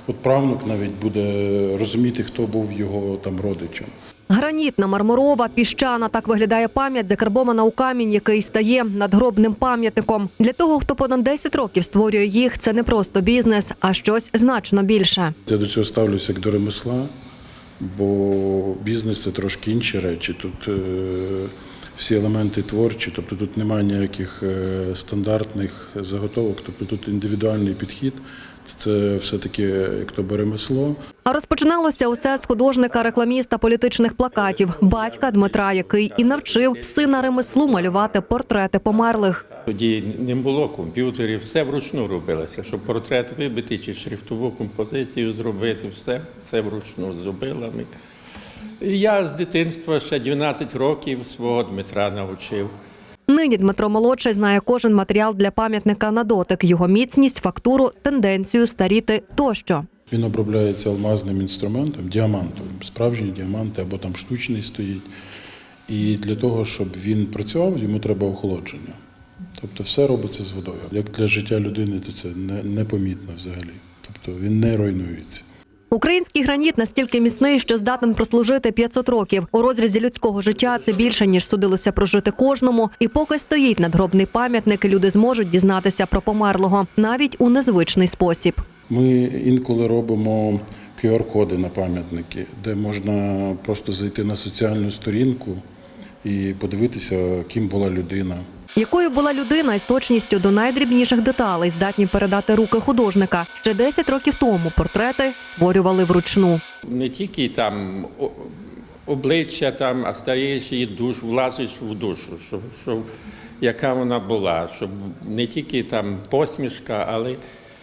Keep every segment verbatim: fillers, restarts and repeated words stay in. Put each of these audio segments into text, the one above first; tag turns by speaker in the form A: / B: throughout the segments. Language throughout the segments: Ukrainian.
A: от правнук навіть буде розуміти, хто був його там родичем.
B: Гранітна, мармурова, піщана – так виглядає пам'ять, закарбована у камінь, який стає надгробним пам'ятником. Для того, хто понад десять років створює їх, це не просто бізнес, а щось значно більше.
A: Я до цього ставлюся як до ремесла, бо бізнес – це трошки інші речі. Тут е, всі елементи творчі, тобто тут немає ніяких е, стандартних заготовок, тобто тут індивідуальний підхід. Це все-таки як то би ремесло.
B: А розпочиналося усе з художника-рекламіста політичних плакатів, батька Дмитра, який і навчив сина ремеслу малювати портрети померлих.
C: Тоді не було комп'ютерів, все вручну робилося, щоб портрет вибити чи шрифтову композицію зробити, все, все вручну зробили ми. І я з дитинства ще дванадцять років свого Дмитра навчив.
B: Нині Дмитро-молодший знає кожен матеріал для пам'ятника на дотик, його міцність, фактуру, тенденцію старіти тощо.
A: Він обробляється алмазним інструментом, діамантовим, справжній діамант або там штучний стоїть. І для того, щоб він працював, йому треба охолодження. Тобто все робиться з водою. Як для життя людини, то це непомітно взагалі. Тобто він не руйнується.
B: Український граніт настільки міцний, що здатен прослужити п'ятсот років. У розрізі людського життя це більше, ніж судилося прожити кожному. І поки стоїть надгробний пам'ятник, люди зможуть дізнатися про померлого, навіть у незвичний спосіб.
A: Ми інколи робимо ку ар коди на пам'ятники, де можна просто зайти на соціальну сторінку і подивитися, ким була людина.
B: Якою була людина із точністю до найдрібніших деталей здатні передати руки художника. Ще десять років тому портрети створювали вручну.
C: Не тільки там обличчя, там, а стаєш і душ, влазиш в душу, щоб, щоб, яка вона була, щоб не тільки там посмішка, але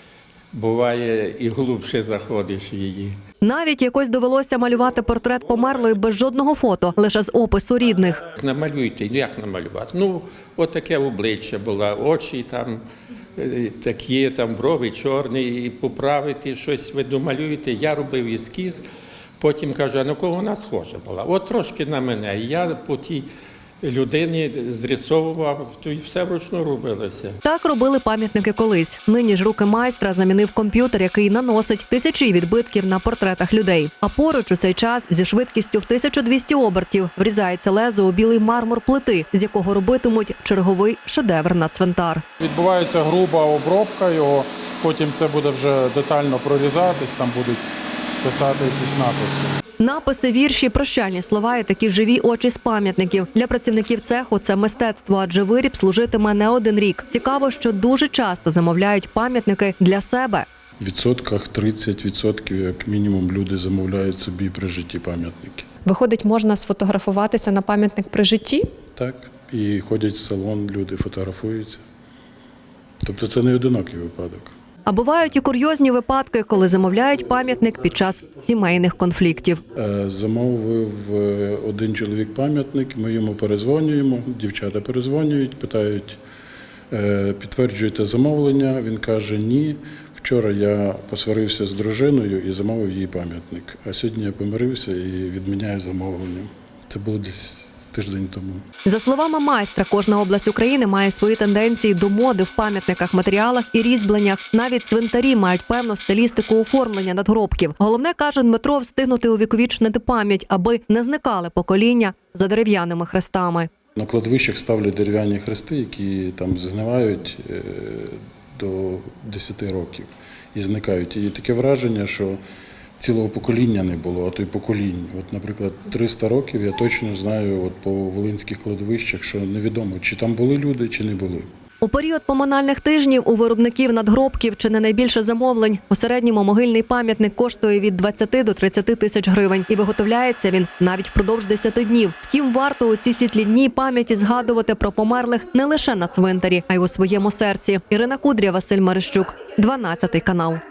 C: буває і глибше заходиш в її.
B: Навіть якось довелося малювати портрет померлої без жодного фото, лише з опису рідних.
C: Намалюйте, ну як намалювати? Ну, от таке обличчя було, очі там такі, там брови чорні, і поправити щось ви домалюєте. Я робив ескіз, потім кажу, а на кого вона схожа була? От трошки на мене. І я по тій людині зрисовував, то й все вручну робилося.
B: Так робили пам'ятники колись. Нині ж руки майстра замінив комп'ютер, який наносить тисячі відбитків на портретах людей. А поруч у цей час зі швидкістю в тисячу двісті обертів врізається лезо у білий мармур плити, з якого робитимуть черговий шедевр на цвинтар.
D: Відбувається груба обробка його, потім це буде вже детально прорізатись, там будуть писати якісь написи.
B: Написи, вірші, прощальні слова і такі живі очі з пам'ятників. Для працівників цеху це мистецтво, адже виріб служитиме не один рік. Цікаво, що дуже часто замовляють пам'ятники для себе.
A: В відсотках тридцять відсотків, як мінімум, люди замовляють собі при житті пам'ятники.
E: Виходить, можна сфотографуватися на пам'ятник при житті?
A: Так, і ходять в салон, люди фотографуються. Тобто це не одинокий випадок.
B: А бувають і курйозні випадки, коли замовляють пам'ятник під час сімейних конфліктів.
A: Замовив один чоловік пам'ятник, ми йому перезвонюємо, дівчата перезвонюють, питають, підтверджуєте замовлення? Він каже, ні. Вчора я посварився з дружиною і замовив їй пам'ятник. А сьогодні я помирився і відміняю замовлення. Це було десь тиждень тому.
B: За словами майстра, кожна область України має свої тенденції до моди в пам'ятниках, матеріалах і різьбленнях. Навіть цвинтарі мають певну стилістику оформлення надгробків. Головне, каже Дмитро, встигнути увіковічнити пам'ять, аби не зникали покоління за дерев'яними хрестами.
A: На кладовищах ставлять дерев'яні хрести, які там згнивають до десяти років і зникають. І таке враження, що цілого покоління не було, а то й поколінь. От, наприклад, триста років я точно знаю от по волинських кладовищах, що невідомо, чи там були люди, чи не були.
B: У період поминальних тижнів у виробників надгробків чи не найбільше замовлень. У середньому могильний пам'ятник коштує від двадцяти до тридцяти тисяч гривень. І виготовляється він навіть впродовж десяти днів. Втім, варто у ці світлі дні пам'яті згадувати про померлих не лише на цвинтарі, а й у своєму серці. Ірина Кудря, Василь Марищук, дванадцятий канал.